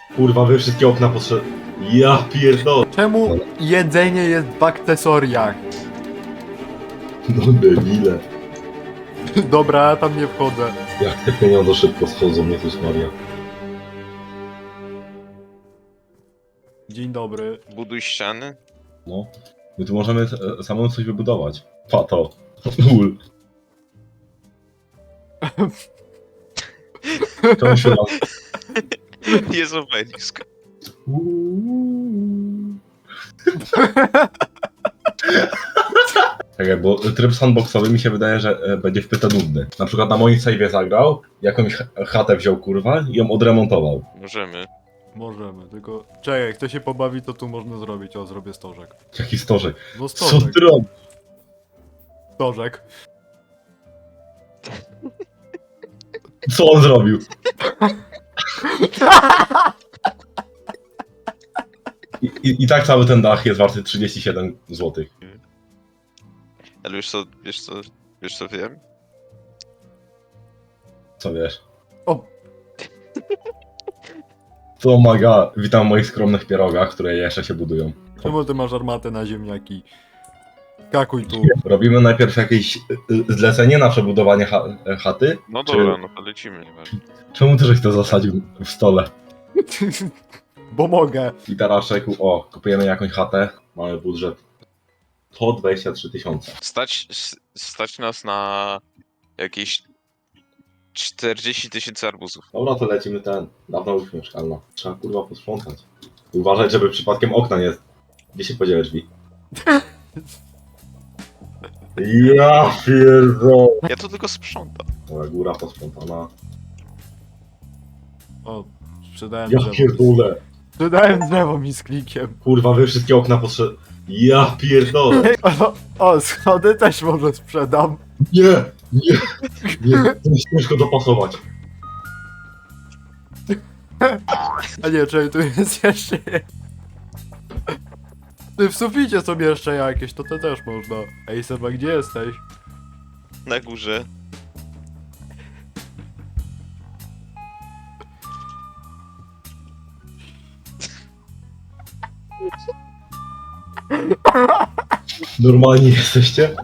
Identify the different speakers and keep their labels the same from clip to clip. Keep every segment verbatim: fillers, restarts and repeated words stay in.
Speaker 1: Kurwa, wy wszystkie okna potrze... Ja pierdolę.
Speaker 2: Czemu jedzenie jest w akcesoriach?
Speaker 1: No debile.
Speaker 2: Dobra, ja tam nie wchodzę.
Speaker 1: Jak te pieniądze szybko schodzą, Jezus Maria.
Speaker 2: Dzień dobry.
Speaker 3: Buduj ściany.
Speaker 1: No. My tu możemy e, samemu coś wybudować. Pato. Ul. Czemu się tam...
Speaker 3: Jest obelisk.
Speaker 1: Czekaj, bo tryb sandboxowy mi się wydaje, że e, będzie wpyta nudny. Na przykład na moim save'ie zagrał, jakąś ch- chatę wziął kurwa i ją odremontował.
Speaker 3: Możemy.
Speaker 2: Możemy, tylko... Czekaj, jak kto się pobawi, to tu można zrobić. O, zrobię stożek.
Speaker 1: Jaki stożek.
Speaker 2: No
Speaker 1: Co
Speaker 2: stożek.
Speaker 1: ty robisz?
Speaker 2: Stożek.
Speaker 1: Co on zrobił? I, i, I tak cały ten dach jest warty trzydzieści siedem złotych.
Speaker 3: Ale wiesz co, wiesz co, wiesz co wiem?
Speaker 1: Co wiesz?
Speaker 2: O,
Speaker 1: To maga. Witam w moich skromnych pierogach, które jeszcze się budują.
Speaker 2: czemu ty masz armatę na ziemniaki? Skakuj tu.
Speaker 1: Robimy najpierw jakieś y, y, zlecenie na przebudowanie cha chaty?
Speaker 3: No
Speaker 1: Czy-
Speaker 3: dobra, no to lecimy, nieważne.
Speaker 1: Czemu ty żeś to zasadził w stole?
Speaker 2: Bo mogę.
Speaker 1: I teraz czekaj, o, kupujemy jakąś chatę, mamy budżet sto dwadzieścia trzy tysiące.
Speaker 3: Stać, s- stać nas na jakieś czterdzieści tysięcy arbuzów.
Speaker 1: Dobra, to lecimy ten, dawna łódź mieszkalna. Trzeba kurwa posprzątać. Uważać, żeby przypadkiem okna nie... Gdzie się podziały drzwi? Ja pierdolę.
Speaker 3: Ja to tylko sprzątam.
Speaker 1: Dobra, góra posprzątana.
Speaker 2: O, sprzedałem
Speaker 1: Ja
Speaker 2: drzewo.
Speaker 1: pierdolę.
Speaker 2: Sprzedałem drzewo mi z klikiem.
Speaker 1: Kurwa, wy wszystkie okna potrze... Ja pierdolę.
Speaker 2: O, o, schody też może sprzedam.
Speaker 1: Nie, nie, nie, to jest ciężko dopasować.
Speaker 2: A nie, czekaj, tu jest jeszcze... Ty w suficie sobie jeszcze jakieś, to to też można. Ej Seba, gdzie jesteś?
Speaker 3: Na górze.
Speaker 1: Normalni jesteście?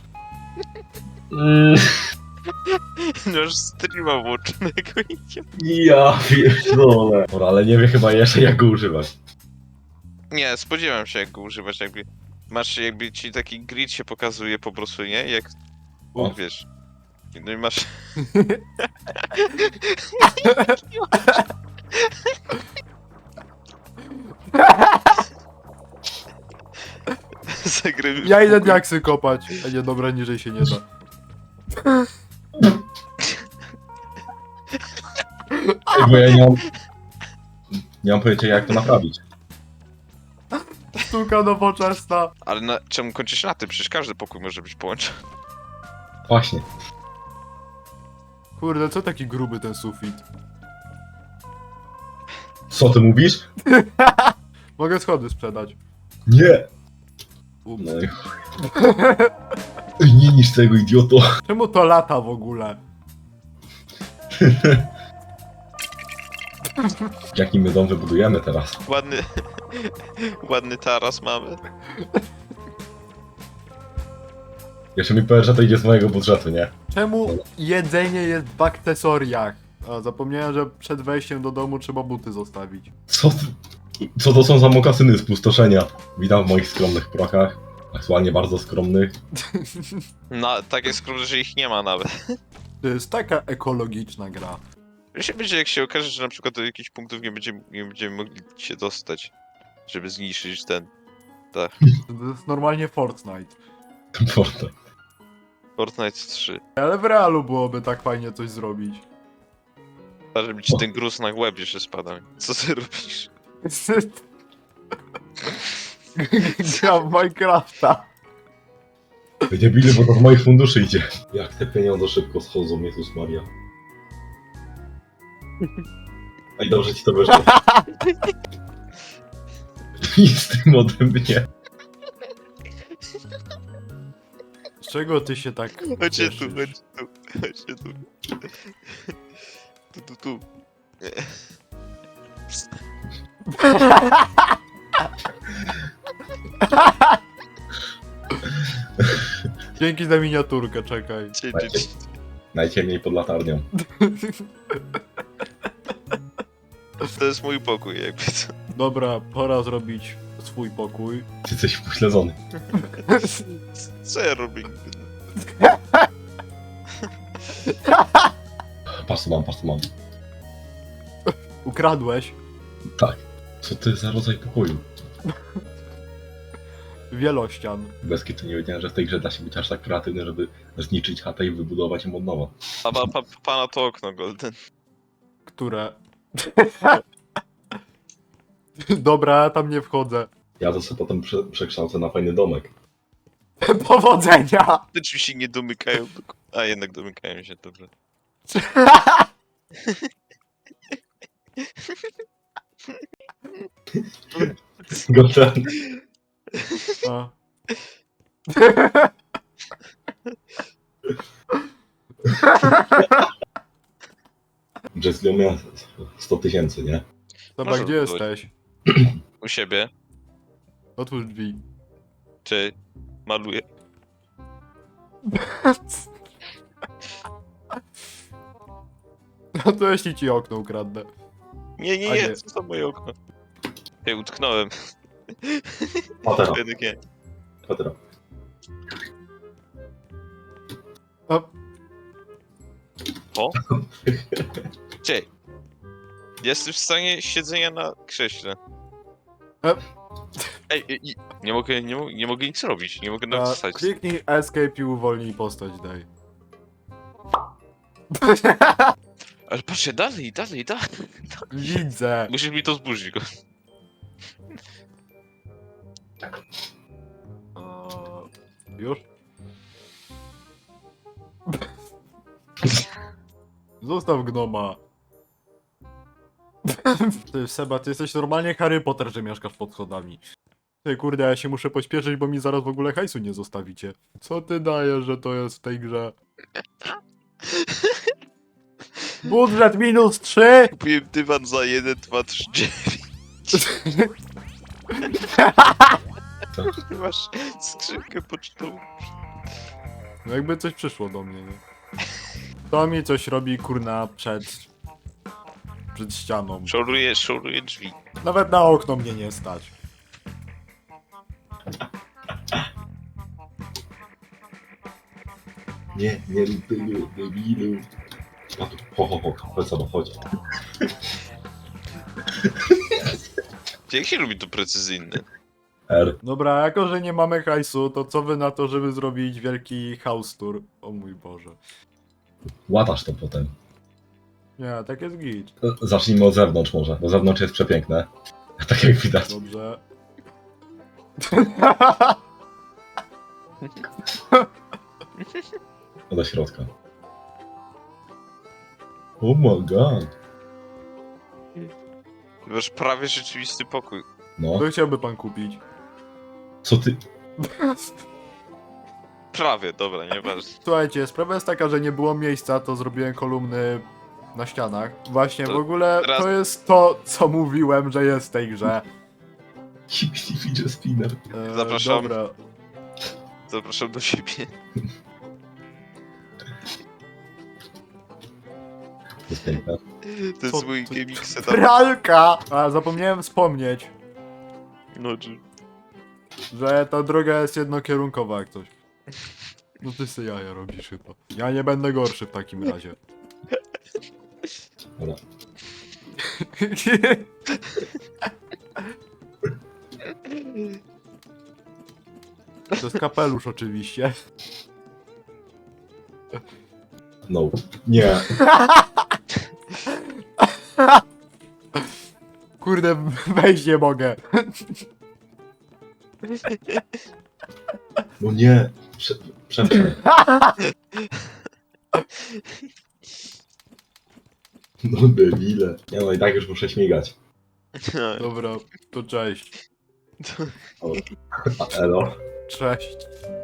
Speaker 1: Mm,
Speaker 3: Masz streama włączonego i
Speaker 1: ja pierdolę. Dobra, ale nie wiem chyba jeszcze jak go używać.
Speaker 3: nie, spodziewam się jak go używać, jakby... Masz, jakby ci taki grid się pokazuje po prostu, nie? Jak...
Speaker 1: O.
Speaker 3: Wiesz... No i masz... Zagrywy...
Speaker 2: Ja idę diaksy kopać. A nie, dobra, niżej się nie da.
Speaker 1: Ej, bo ja nie mam... Nie mam pojęcia jak to naprawić.
Speaker 2: Sztuka nowoczesna.
Speaker 3: Ale na, czemu kończysz na tym? Przecież każdy pokój może być połączony.
Speaker 1: Właśnie.
Speaker 2: Kurde, co taki gruby ten sufit?
Speaker 1: Co ty mówisz?
Speaker 2: Mogę schody sprzedać.
Speaker 1: Nie!
Speaker 2: Ups.
Speaker 1: No i chuj. Ej, nie niż tego idioto.
Speaker 2: Czemu to lata w ogóle?
Speaker 1: Jaki my dom wybudujemy teraz?
Speaker 3: Ładny... Ładny taras mamy.
Speaker 1: Jeszcze mi powiesz, że to idzie z mojego budżetu, nie?
Speaker 2: Czemu jedzenie jest w akcesoriach? A, zapomniałem, że przed wejściem do domu trzeba buty zostawić.
Speaker 1: Co ty... Co to są za mokasyny spustoszenia? Witam w moich skromnych prokach. Aktualnie bardzo skromnych.
Speaker 3: No, tak jest skromne, że ich nie ma nawet.
Speaker 2: To jest taka ekologiczna gra.
Speaker 3: Się będzie, jak się okaże, że na przykład do jakichś punktów nie będziemy, nie będziemy mogli się dostać, żeby zniszczyć ten... Tak.
Speaker 2: To jest normalnie Fortnite.
Speaker 1: Portal.
Speaker 3: Fortnite trzy.
Speaker 2: Ale w realu byłoby tak fajnie coś zrobić.
Speaker 3: Żeby ci ten gruz na łeb jeszcze spadał. Co ty robisz?
Speaker 2: Gram w Minecrafta.
Speaker 1: Debile, bo to z moich funduszy idzie. Jak te pieniądze szybko schodzą, Jezus Maria. Ej, dobrze ci to wyszło. I z tym ode mnie.
Speaker 2: Z czego ty się tak
Speaker 3: Chodźcie tu,
Speaker 2: cieszysz?
Speaker 3: chodźcie tu, chodźcie tu. Tu, tu, tu.
Speaker 2: Dzięki za miniaturkę, czekaj.
Speaker 3: Cie- cie- cie-
Speaker 1: Najciemniej pod latarnią.
Speaker 3: To jest mój pokój, jakby co.
Speaker 2: Dobra, pora zrobić swój pokój.
Speaker 1: Ty jesteś upośledzony.
Speaker 3: Co ja robię?
Speaker 1: Patrz co mam, patrz co mam.
Speaker 2: Ukradłeś
Speaker 1: Tak. Co to jest za rodzaj pokoju?
Speaker 2: wielościan.
Speaker 1: Bez kitu nie wiedziałem, że w tej grze da się być aż tak kreatywny, żeby zniszczyć chatę i wybudować ją od nowa.
Speaker 3: A pa, pa, pana to okno, Golden.
Speaker 2: Które... Dobra, tam nie wchodzę.
Speaker 1: Ja to sobie potem prze przekształcę na fajny domek.
Speaker 2: Powodzenia!
Speaker 3: Te drzwi się nie domykają. tylko- A jednak domykają się, dobrze.
Speaker 1: Goten.
Speaker 2: A.
Speaker 1: Jazz miał sto tysięcy, nie?
Speaker 2: Dobra,
Speaker 3: Może
Speaker 2: gdzie
Speaker 3: być.
Speaker 2: jesteś?
Speaker 3: U siebie.
Speaker 2: Otwórz drzwi.
Speaker 3: Czy maluję?
Speaker 2: No to jeśli ci okno ukradnę.
Speaker 3: Nie, nie,
Speaker 2: A
Speaker 3: nie,
Speaker 2: nie.
Speaker 3: co za moje okno? Ja utknąłem.
Speaker 1: Patera,
Speaker 3: Jednak nie.
Speaker 1: patera.
Speaker 2: A,
Speaker 3: O? Cześć. Jestem w stanie siedzenia na krześle.
Speaker 2: E.
Speaker 3: Ej, ej, ej, nie mogę, nie, mo- nie mogę nic robić, nie mogę nawet
Speaker 2: a,
Speaker 3: wstać.
Speaker 2: kliknij escape i uwolnij postać, daj.
Speaker 3: Ale patrzcie, dalej, dalej, dalej.
Speaker 2: Widzę.
Speaker 3: Musisz mi to zburzyć go.
Speaker 2: O, już? Zostaw gnoma. Ty, Seba, ty jesteś normalnie Harry Potter, że mieszkasz pod schodami. Ty, kurde, ja się muszę pośpieszyć, bo mi zaraz w ogóle hajsu nie zostawicie. Co ty dajesz, że to jest w tej grze? Budżet minus trzy!
Speaker 3: Kupiłem dywan za jeden, dwa, trzy, dziewięć. Masz skrzynkę pocztową.
Speaker 2: No jakby coś przyszło do mnie, nie? To mi coś robi, kurna, przed... przed ścianą.
Speaker 3: Szoruję, szoruję drzwi.
Speaker 2: Nawet na okno mnie nie stać.
Speaker 1: Nie, nie rób tego, debilu. A tu, ho, ho, ho, chodź sobie, chodź.
Speaker 3: Jak się robi to precyzyjne?
Speaker 1: R.
Speaker 2: Dobra, jako że nie mamy hajsu, to co wy na to, żeby zrobić wielki house tour? O mój Boże.
Speaker 1: Łatasz to potem.
Speaker 2: Nie, tak jest git.
Speaker 1: Zacznijmy od zewnątrz może, bo zewnątrz jest przepiękne. Tak jak widać.
Speaker 2: Dobrze.
Speaker 1: Do środka. Oh my god.
Speaker 3: Masz prawie rzeczywisty pokój.
Speaker 1: No,
Speaker 2: Co chciałby pan kupić?
Speaker 1: co ty...
Speaker 3: Prawie, dobra, nieważne.
Speaker 2: Słuchajcie, sprawa jest taka, że nie było miejsca, to zrobiłem kolumny na ścianach. Właśnie, w
Speaker 3: To
Speaker 2: ogóle
Speaker 3: teraz-
Speaker 2: to jest to, co mówiłem, że jest w tej grze.
Speaker 1: Fidget spinner.
Speaker 2: E,
Speaker 3: Zapraszam.
Speaker 2: Dobra.
Speaker 3: Zapraszam do siebie.
Speaker 1: To jest piękne.
Speaker 3: To
Speaker 2: Co
Speaker 3: jest mój
Speaker 2: ty-
Speaker 3: gaming setup.
Speaker 2: Pralka! A, zapomniałem wspomnieć,
Speaker 3: No, czy...
Speaker 2: że ta droga jest jednokierunkowa jak coś. No ty sobie jaja robisz chyba. Ja nie będę gorszy w takim razie.
Speaker 1: Dobra.
Speaker 2: To jest kapelusz oczywiście.
Speaker 1: No. Nie.
Speaker 2: Kurde, wejść nie mogę.
Speaker 1: No nie. Prze Przeprzę. No debile. Nie no i tak już muszę śmigać.
Speaker 2: Dobra, to cześć.
Speaker 1: A, elo.
Speaker 2: Cześć.